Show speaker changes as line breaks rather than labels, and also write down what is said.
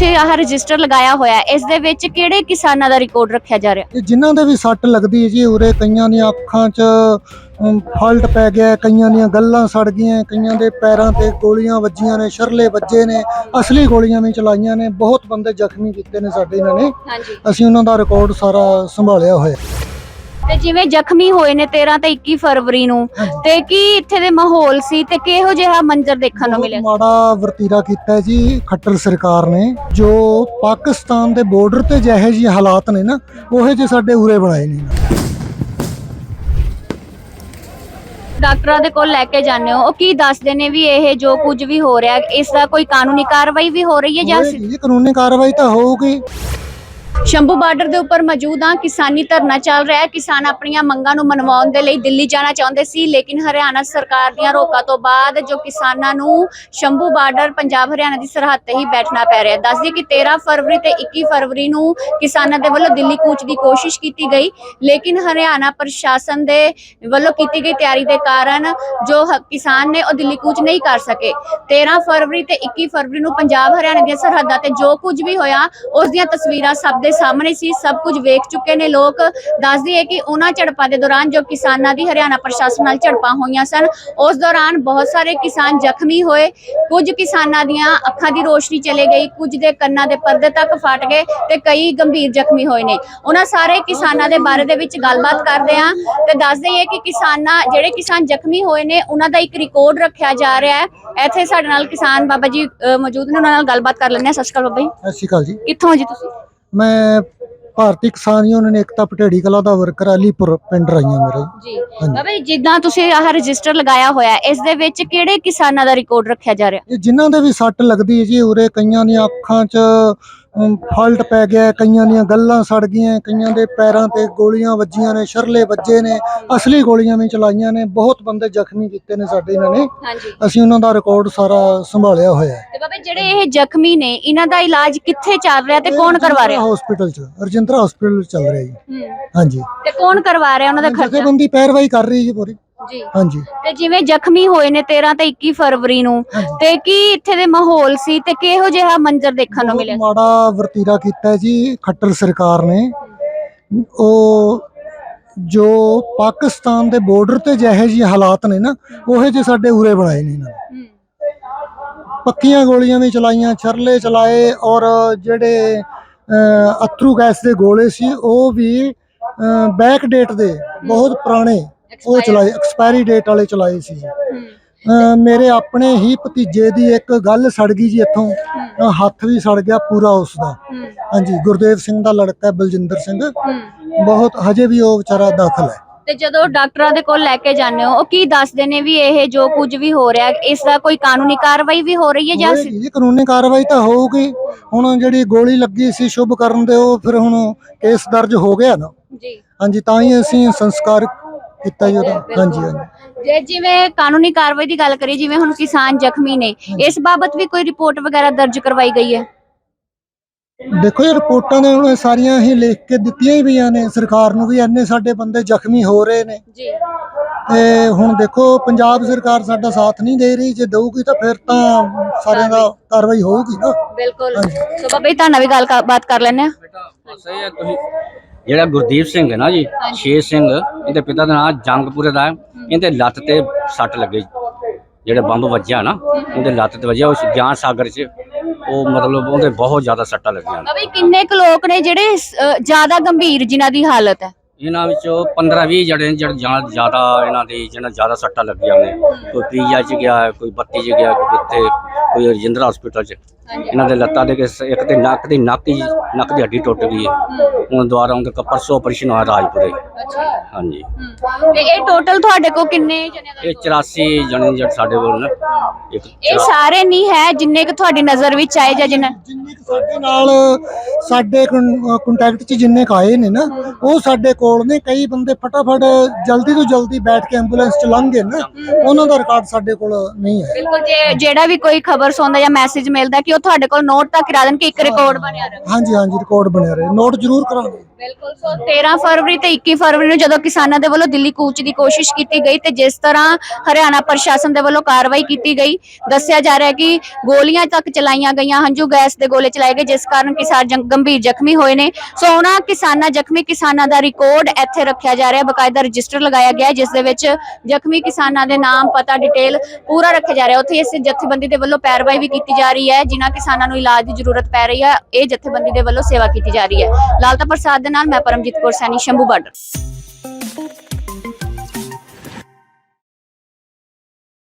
ਤੁਸੀਂ ਆਹ ਰਜਿਸਟਰ ਲਗਾਇਆ ਹੋਇਆ ਇਸ ਦੇ ਵਿੱਚ ਕਿਹੜੇ ਕਿਸਾਨਾਂ ਦਾ ਰਿਕਾਰਡ ਰੱਖਿਆ ਜਾ ਰਿਹਾ?
ਜਿਨ੍ਹਾਂ ਦੇ ਵੀ ਸੱਟ ਲੱਗਦੀ ਹੈ ਜੀ, ਉਰੇ ਕਈਆਂ ਦੀਆਂ ਅੱਖਾਂ 'ਚ ਫਾਲਟ ਪੈ ਗਿਆ, ਕਈਆਂ ਦੀਆਂ ਗੱਲਾਂ ਸੜ ਗਈਆਂ, ਕਈਆਂ ਦੇ ਪੈਰਾਂ ਤੇ ਗੋਲੀਆਂ ਵੱਜੀਆਂ ਨੇ, ਸ਼ਰਲੇ ਵੱਜੇ ਨੇ, ਅਸਲੀ ਗੋਲੀਆਂ ਵੀ ਚਲਾਈਆਂ ਨੇ, ਬਹੁਤ ਬੰਦੇ ਜ਼ਖਮੀ ਕੀਤੇ ਨੇ ਸਾਡੇ ਇਹਨਾਂ ਨੇ।
ਹਾਂਜੀ।
ਅਸੀਂ ਉਹਨਾਂ ਦਾ ਰਿਕਾਰਡ ਸਾਰਾ ਸੰਭਾਲਿਆ ਹੋਇਆ।
ਤੇ ਜਿਵੇਂ ਜ਼ਖਮੀ ਹੋਏ ਨੇ 13 ਤੇ 21 ਫਰਵਰੀ ਨੂੰ, ਤੇ ਕੀ ਇੱਥੇ ਦੇ ਮਾਹੌਲ ਸੀ ਤੇ ਕਿਹੋ ਜਿਹਾ ਮੰਜ਼ਰ ਦੇਖਣ ਨੂੰ ਮਿਲਿਆ?
ਮਾੜਾ ਵਰਤੀਰਾ ਕੀਤਾ ਜੀ ਖੱਟਰ ਸਰਕਾਰ ਨੇ, ਜੋ ਪਾਕਿਸਤਾਨ ਦੇ ਬਾਰਡਰ ਤੇ ਜਿਹੇ ਜਿਹੇ ਹਾਲਾਤ ਨੇ ਨਾ, ਉਹੇ ਜਿਹੇ ਸਾਡੇ ਉਰੇ ਬਣਾਏ ਨੇ।
ਡਾਕਟਰਾਂ ਦੇ ਕੋਲ ਲੈ ਕੇ ਜਾਂਦੇ ਹੋ, ਉਹ ਕੀ ਦੱਸਦੇ ਨੇ ਵੀ ਇਹ ਜੋ ਕੁਝ ਵੀ ਹੋ ਰਿਹਾ ਇਸ ਦਾ ਕੋਈ ਕਾਨੂੰਨੀ ਕਾਰਵਾਈ ਵੀ ਹੋ ਰਹੀ ਹੈ ਜਾਂ?
ਇਹ ਕਾਨੂੰਨੀ ਕਾਰਵਾਈ ਤਾਂ ਹੋਊਗੀ।
ਸ਼ੰਭੂ ਬਾਰਡਰ ਦੇ ਉੱਪਰ ਮੌਜੂਦ ਹਾਂ। ਕਿਸਾਨੀ ਧਰਨਾ ਚੱਲ ਰਿਹਾ ਹੈ। ਕਿਸਾਨ ਆਪਣੀਆਂ ਮੰਗਾਂ ਨੂੰ ਮਨਵਾਉਣ ਦੇ ਲਈ ਦਿੱਲੀ ਜਾਣਾ ਚਾਹੁੰਦੇ ਸੀ, ਲੇਕਿਨ ਹਰਿਆਣਾ ਸਰਕਾਰ ਦੀਆਂ ਰੋਕਾਂ ਤੋਂ ਬਾਅਦ ਜੋ ਕਿਸਾਨਾਂ ਨੂੰ ਸ਼ੰਭੂ ਬਾਰਡਰ ਪੰਜਾਬ ਹਰਿਆਣਾ ਦੀ ਸਰਹੱਦ ਤੇ ਹੀ ਬੈਠਣਾ ਪੈ ਰਿਹਾ। ਦੱਸ ਦਈਏ ਕਿ 13 ਫਰਵਰੀ ਤੇ 21 ਫਰਵਰੀ ਨੂੰ ਕਿਸਾਨਾਂ ਦੇ ਵੱਲੋਂ ਦਿੱਲੀ ਕੂਚ ਦੀ ਕੋਸ਼ਿਸ਼ ਕੀਤੀ ਗਈ, ਲੇਕਿਨ ਹਰਿਆਣਾ ਪ੍ਰਸ਼ਾਸਨ ਦੇ ਵੱਲੋਂ ਕੀਤੀ ਗਈ ਤਿਆਰੀ ਦੇ ਕਾਰਨ ਜੋ ਕਿਸਾਨ ਨੇ ਉਹ ਦਿੱਲੀ ਕੂਚ ਨਹੀਂ ਕਰ ਸਕੇ। 13 ਫਰਵਰੀ ਤੇ 21 ਫਰਵਰੀ ਨੂੰ ਪੰਜਾਬ ਹਰਿਆਣਾ ਦੀਆਂ ਸਰਹੱਦਾਂ ਤੇ ਜੋ ਕੁਝ ਵੀ ਹੋਇਆ ਉਸ ਦੀਆਂ ਤਸਵੀਰਾਂ ਸਭ ਦੇ ਸਾਹਮਣੇ ਸੀ, ਸਭ ਕੁਝ ਵੇਖ ਚੁੱਕੇ ਨੇ ਲੋਕ। ਦੱਸਦੀ ਹੈ ਕਿ ਉਹਨਾਂ ਝੜਪਾਂ ਦੇ ਦੌਰਾਨ ਜੋ ਕਿਸਾਨਾਂ ਦੀ ਹਰਿਆਣਾ ਪ੍ਰਸ਼ਾਸਨ ਨਾਲ ਝੜਪਾਂ ਹੋਈਆਂ ਸਨ, ਉਸ ਦੌਰਾਨ ਬਹੁਤ ਸਾਰੇ ਕਿਸਾਨ ਜ਼ਖਮੀ ਹੋਏ। ਕੁਝ ਕਿਸਾਨਾਂ ਦੀਆਂ ਅੱਖਾਂ ਦੀ ਰੋਸ਼ਨੀ ਚਲੇ ਗਈ, ਕੁਝ ਦੇ ਕੰਨਾਂ ਦੇ ਪਰਦੇ ਤੱਕ ਫਟ ਗਏ ਤੇ ਕਈ ਗੰਭੀਰ ਜ਼ਖਮੀ ਹੋਏ ਨੇ। ਉਹਨਾਂ ਸਾਰੇ ਕਿਸਾਨਾਂ ਦੇ ਬਾਰੇ ਦੇ ਵਿੱਚ ਗੱਲਬਾਤ ਕਰਦੇ ਹਾਂ ਤੇ ਦੱਸਦੇ ਹੈ ਕਿ ਜਿਹੜੇ ਕਿਸਾਨ ਜ਼ਖਮੀ ਹੋਏ ਨੇ ਉਹਨਾਂ ਦਾ ਇੱਕ ਰਿਕਾਰਡ ਰੱਖਿਆ ਜਾ ਰਿਹਾ ਹੈ। ਇੱਥੇ ਸਾਡੇ ਨਾਲ ਕਿਸਾਨ ਬਾਬਾ ਜੀ ਮੌਜੂਦ ਨੇ, ਉਹਨਾਂ ਨਾਲ ਗੱਲਬਾਤ ਕਰ ਲੈਂਦੇ ਹਾਂ। ਸਤਿ ਸ਼੍ਰੀ ਅਕਾਲ ਬਾਬਾ ਜੀ।
ਸਤਿ ਸ਼੍ਰੀ ਅਕਾਲ ਜੀ।
ਕਿੱਥੋਂ ਹੋ ਜੀ ਤੁਸੀਂ?
ਮੈਂ ਭਾਰਤੀ ਕਿਸਾਨ ਯੂਨੀਅਨ ਏਕਤਾ ਪਟੇੜੀ ਕਲਾ ਦਾ ਵਰਕਰ, ਅਲੀਪੁਰ ਪਿੰਡ ਰਾਈਆਂ ਮੇਰਾ
ਜੀ। ਬਾਬਾ ਜੀ, ਜਿੱਦਾਂ ਤੁਸੀਂ ਆਹ ਰਜਿਸਟਰ ਲਗਾਇਆ ਹੋਇਆ ਇਸ ਦੇ ਵਿੱਚ ਕਿਹੜੇ ਕਿਸਾਨਾਂ ਦਾ ਰਿਕਾਰਡ ਰੱਖਿਆ ਜਾ ਰਿਹਾ?
ਜਿਨ੍ਹਾਂ ਦੇ ਵੀ ਸੱਟ ਲੱਗਦੀ ਹੈ ਜੀ, ਉਰੇ ਕਈਆਂ ਦੀਆਂ ਅੱਖਾਂ 'ਚ ਫਾਲਟ ਪੈ ਗਿਆ, ਕਈਆਂ ਦੀਆਂ ਗੱਲਾਂ ਸੜ ਗਈਆਂ, ਕਈਆਂ ਦੇ ਪੈਰਾਂ ਤੇ ਗੋਲੀਆਂ ਵੱਜੀਆਂ ਨੇ, ਸ਼ਰਲੇ ਵੱਜੇ ਨੇ, ਅਸਲੀ ਗੋਲੀਆਂ ਵੀ ਚਲਾਈਆਂ ਨੇ, ਬਹੁਤ ਬੰਦੇ ਜ਼ਖਮੀ ਕੀਤੇ ਨੇ ਸਾਡੇ ਇਹਨਾਂ ਨੇ।
ਹਾਂਜੀ।
ਅਸੀਂ ਉਹਨਾਂ ਦਾ ਰਿਕਾਰਡ ਸਾਰਾ ਸੰਭਾਲਿਆ ਹੋਇਆ।
ਤੇ ਬਾਬਾ ਜਿਹੜੇ ਇਹ ਜ਼ਖਮੀ ਨੇ ਇਹਨਾਂ ਦਾ ਇਲਾਜ ਕਿੱਥੇ ਚੱਲ ਰਿਹਾ ਤੇ ਕੌਣ ਕਰਵਾ ਰਿਹਾ?
ਹਸਪੀਟਲ 'ਚ, ਰਜਿੰਦਰਾ ਹਸਪੀਟਲ ਚੱਲ ਰਿਹਾ ਜੀ। ਹਾਂਜੀ।
ਤੇ ਕੌਣ ਕਰਵਾ ਰਿਹਾ ਉਹਨਾਂ ਦਾ ਖਰਚਾ?
ਜਥੇਬੰਦੀ ਪੈਰਵਾਈ ਕਰ ਰਹੀ ਜੀ ਪੂਰੀ।
ਜੀ।
ਹਾਂਜੀ।
ਤੇ ਜਿਵੇਂ ਜ਼ਖਮੀ ਹੋਏ ਨੇ 13 ਤੇ 21 ਫਰਵਰੀ ਨੂੰ, ਤੇ ਕੀ ਇੱਥੇ ਦੇ ਮਾਹੌਲ ਸੀ ਤੇ ਕਿਹੋ ਜਿਹਾ ਮੰਜ਼ਰ ਦੇਖਣ ਨੂੰ ਮਿਲਿਆ?
ਮਾੜਾ ਵਰਤੀਰਾ ਕੀਤਾ ਜੀ ਖੱਟਰ ਸਰਕਾਰ ਨੇ, ਉਹ ਜੋ ਪਾਕਿਸਤਾਨ ਦੇ ਬਾਰਡਰ ਤੇ ਜਿਹੇ ਜਿਹੇ ਹਾਲਾਤ ਨੇ ਨਾ, ਉਹੇ ਜਿਹੇ ਸਾਡੇ ਉਰੇ ਬਣਾਏ ਨੇ ਇਹਨਾਂ ਨੇ। ਪੱਕੀਆਂ ਗੋਲੀਆਂ ਵੀ ਚਲਾਈਆਂ, ਛਰਲੇ ਚਲਾਏ, ਔਰ ਜਿਹੜੇ ਅਥਰੂ ਗੈਸ ਦੇ ਗੋਲੇ ਸੀ ਉਹ ਵੀ ਬੈਕ ਡੇਟ ਦੇ ਬਹੁਤ ਪੁਰਾਣੇ ਉਹ ਚਲਾਏ, ਐਕਸਪਾਇਰੀ ਡੇਟ ਵਾਲੇ ਚਲਾਏ ਸੀ ਜੀ। ਮੇਰੇ ਆਪਣੇ ਹੀ ਭਤੀਜੇ ਦੀ ਇੱਕ ਗੱਲ ਸੜ ਗਈ ਜੀ, ਇੱਥੋਂ ਹੱਥ ਵੀ ਸੜ ਗਿਆ ਪੂਰਾ ਉਸ ਦਾ। ਹਾਂਜੀ, ਗੁਰਦੇਵ ਸਿੰਘ ਦਾ ਲੜਕਾ ਬਲਜਿੰਦਰ ਸਿੰਘ, ਬਹੁਤ ਹਜੇ ਵੀ ਉਹ ਵਿਚਾਰਾ ਦਾਖਲ ਹੈ।
ਤੇ ਜਦੋਂ ਡਾਕਟਰਾਂ ਦੇ ਕੋਲ ਲੈ ਕੇ ਜਾਂਦੇ ਹੋ, ਉਹ ਕੀ ਦੱਸਦੇ ਨੇ ਵੀ ਇਹ ਜੋ ਕੁਝ ਵੀ ਹੋ ਰਿਹਾ ਇਸ ਦਾ ਕੋਈ ਕਾਨੂੰਨੀ ਕਾਰਵਾਈ ਵੀ ਹੋ ਰਹੀ ਹੈ ਜਾਂ?
ਜੀ ਕਾਨੂੰਨੀ ਕਾਰਵਾਈ ਤਾਂ ਹੋਊਗੀ। ਹੁਣ ਜਿਹੜੀ ਗੋਲੀ ਲੱਗੀ ਸੀ ਸ਼ੁਭ ਕਰਨ ਦੇ, ਉਹ ਫਿਰ ਹੁਣ ਕੇਸ ਦਰਜ ਹੋ ਗਿਆ ਨਾ
ਜੀ।
ਹਾਂਜੀ, ਤਾਂ ਹੀ ਅਸੀਂ ਸੰਸਕਾਰ ਕੀਤਾ ਜੀ ਉਹਦਾ। ਹਾਂਜੀ ਹਾਂਜੀ।
ਜੇ ਜਿਵੇਂ ਕਾਨੂੰਨੀ ਕਾਰਵਾਈ ਦੀ ਗੱਲ ਕਰੀਏ, ਜਿਵੇਂ ਹੁਣ ਕਿਸਾਨ ਜ਼ਖਮੀ ਨੇ, ਇਸ ਬਾਬਤ ਵੀ ਕੋਈ ਰਿਪੋਰਟ ਵਗੈਰਾ ਦਰਜ ਕਰਵਾਈ ਗਈ ਹੈ?
ਦੇਖੋ ਇਹ ਰਿਪੋਰਟਾਂ ਨੇ ਹੁਣ ਸਾਰੀਆਂ ਹੀ ਲਿਖ ਕੇ ਦਿੱਤੀਆਂ ਹੀ ਪਈਆਂ ਨੇ ਸਰਕਾਰ ਨੂੰ ਵੀ, ਇੰਨੇ ਸਾਡੇ ਬੰਦੇ ਜ਼ਖਮੀ ਹੋ ਰਹੇ ਨੇ
ਜੀ।
ਤੇ ਹੁਣ ਦੇਖੋ ਪੰਜਾਬ ਸਰਕਾਰ ਸਾਡਾ ਸਾਥ ਨਹੀਂ ਦੇ ਰਹੀ, ਜੇ ਦਊਗੀ ਤਾਂ ਫਿਰ ਤਾਂ ਸਾਰਿਆਂ ਦਾ ਕਾਰਵਾਈ ਹੋਊਗੀ ਨਾ।
ਬਿਲਕੁਲ। ਸੋ ਬਾਬਾ ਜੀ ਤੁਹਾਡਾ ਵੀ ਗੱਲਬਾਤ ਕਰ ਲੈਣੇ ਆ।
ਸਹੀ ਹੈ। ਤੁਸੀਂ ਜਿਹੜਾ ਗੁਰਦੀਪ ਸਿੰਘ ਹੈ ਨਾ ਜੀ, ਸ਼ੇਰ ਸਿੰਘ, ਇਹਦੇ ਪਿਤਾ ਦਾ ਨਾਮ ਜੰਗਪੁਰੇ ਦਾ ਹੈ। ਇਹਦੇ ਲੱਤ ਤੇ ਸੱਟ ਲੱਗੀ, ਜਿਹੜੇ ਬੰਬ ਵੱਜਿਆ ਨਾ ਉਹਦੇ ਲੱਤ ਤੇ ਵੱਜਿਆ, ਉਸ ਗਿਆਨ ਸਾਗਰ 'ਚ ਉਹ ਮਤਲਬ ਉਹਦੇ ਬਹੁਤ ਜ਼ਿਆਦਾ ਸੱਟਾਂ ਲੱਗੀਆਂ।
ਬਾਬਾ ਜੀ ਕਿੰਨੇ ਕੁ ਲੋਕ ਨੇ ਜਿਹੜੇ ਜ਼ਿਆਦਾ ਗੰਭੀਰ ਜਿਨ੍ਹਾਂ ਦੀ ਹਾਲਤ ਹੈ?
ਇਹਨਾਂ ਵਿੱਚੋਂ 15-20 ਜਿਹੜੇ ਜ਼ਿਆਦਾ ਇਹਨਾਂ ਦੀ ਜਿਹਨਾਂ ਜ਼ਿਆਦਾ ਸੱਟਾਂ ਲੱਗੀਆਂ ਨੇ, ਕੋਈ ਪੀਜੀਆਈ 'ਚ ਗਿਆ, ਕੋਈ 32 'ਚ ਗਿਆ, ਕੋਈ ਕਿੱਥੇ, ਕੋਈ ਰਜਿੰਦਰਾ ਹਸਪੀਟਲ 'ਚ। ਇਹਨਾਂ ਦੇ ਲੱਤਾਂ ਦੇ ਇੱਕ ਤੇ ਨੱਕ ਦੀ ਹੱਡੀ ਟੁੱਟ ਗਈ ਹੈ। ਹੁਣ ਦੁਬਾਰਾ ਉਹਦੇ ਪਰਸੋਂ ਆਪਰੇਸ਼ਨ ਹੋਇਆ ਰਾਜਪੁਰੇ। ਹਾਂਜੀ।
ਤੇ ਇਹ ਟੋਟਲ ਤੁਹਾਡੇ ਕੋਲ ਕਿੰਨੇ ਜਣਿਆਂ ਦਾ?
ਇਹ 84 ਜਣੇ ਜਿਹੜੇ ਸਾਡੇ ਕੋਲ ਨੇ।
ਇਹ ਸਾਰੇ ਨਹੀਂ ਹੈ ਜਿੰਨੇ ਕਿ ਤੁਹਾਡੀ ਨਜ਼ਰ ਵਿੱਚ ਆਏ ਜਾਂ ਜਿੰਨੇ
ਸਾਡੇ ਨਾਲ ਸਾਡੇ ਕੰਟੈਕਟ 'ਚ ਜਿੰਨੇ ਆਏ ਨੇ ਨਾ, ਉਹ ਸਾਡੇ ਕੋਲ ਕੋਲ ਨੇ, ਕਈ ਬੰਦੇ ਫਟਾਫਟ ਜਲਦੀ ਤੋਂ ਜਲਦੀ ਬੈਠ ਕੇ ਐਂਬੂਲੈਂਸ ਚ ਲੰਘ ਗਏ ਨਾ, ਉਹਨਾਂ ਦਾ ਰਿਕਾਰਡ ਸਾਡੇ ਕੋਲ ਨਹੀਂ ਹੈ।
ਬਿਲਕੁਲ, ਜਿਹੜਾ ਵੀ ਕੋਈ ਖਬਰ ਸੁਣਦਾ ਜਾਂ ਮੈਸੇਜ ਮਿਲਦਾ ਕਿ ਉਹ ਤੁਹਾਡੇ ਕੋਲ ਨੋਟ ਤੱਕ ਕਰਾ ਦੇਣ ਕਿ ਇੱਕ ਰਿਕਾਰਡ ਬਣਿਆ ਰਹੇ।
ਹਾਂਜੀ ਹਾਂਜੀ, ਰਿਕਾਰਡ ਬਣਿਆ ਰਹੇ, ਨੋਟ ਜ਼ਰੂਰ ਕਰਾਂਗੇ।
ਬਿਲਕੁਲ। ਸੋ 13 ਫਰਵਰੀ ਤੇ 21 ਫਰਵਰੀ ਨੂੰ ਜਦੋਂ ਕਿਸਾਨਾਂ ਦੇ ਵੱਲੋਂ ਦਿੱਲੀ ਕੂਚ ਦੀ ਕੋਸ਼ਿਸ਼ ਕੀਤੀ ਗਈ ਤੇ ਜਿਸ ਤਰ੍ਹਾਂ ਹਰਿਆਣਾ ਪ੍ਰਸ਼ਾਸਨ ਦੇ ਵੱਲੋਂ ਕਾਰਵਾਈ ਕੀਤੀ ਗਈ, ਦੱਸਿਆ ਜਾ ਰਿਹਾ ਹੈ ਕਿ ਗੋਲੀਆਂ ਤੱਕ ਚਲਾਈਆਂ ਗਈਆਂ, ਹੰਝੂ ਗੈਸ ਦੇ ਗੋਲੇ ਚਲਾਏ ਗਏ, ਜਿਸ ਕਾਰਨ ਕਿਸਾਨ ਗੰਭੀਰ ਜ਼ਖਮੀ ਹੋਏ ਨੇ। ਸੋ ਉਹਨਾਂ ਜ਼ਖਮੀ ਕਿਸਾਨਾਂ ਦਾ ਰਿਕਾਰਡ ਇੱਥੇ ਰੱਖਿਆ ਜਾ ਰਿਹਾ, ਬਕਾਇਦਾ ਰਜਿਸਟਰ ਲਗਾਇਆ ਗਿਆ ਜਿਸ ਦੇ ਵਿੱਚ ਜ਼ਖਮੀ ਕਿਸਾਨਾਂ ਦੇ ਨਾਮ, ਪਤਾ, ਡਿਟੇਲ ਪੂਰਾ ਰੱਖਿਆ ਜਾ ਰਿਹਾ। ਉੱਥੇ ਇਸ ਜਥੇਬੰਦੀ ਦੇ ਵੱਲੋਂ ਪੈਰਵਾਈ ਵੀ ਕੀਤੀ ਜਾ ਰਹੀ ਹੈ, ਜਿਨ੍ਹਾਂ ਕਿਸਾਨਾਂ ਨੂੰ ਇਲਾਜ ਦੀ ਜ਼ਰੂਰਤ ਪੈ ਰਹੀ ਹੈ। ਇਹ ਜਥੇਬੰਦੀ ਦੇ ਵੱਲੋਂ ਸੇਵਾ ਕੀਤੀ ਜਾ ਰਹੀ ਹੈ। ਲਾਲਤਾ ਪ੍ਰਸਾਦ ਦੇ ਨਾਲ ਮੈਂ ਪਰਮਜੀਤ ਕੌਰ ਸੈਣੀ, ਸ਼ੰਭੂ ਬਾਰਡਰ।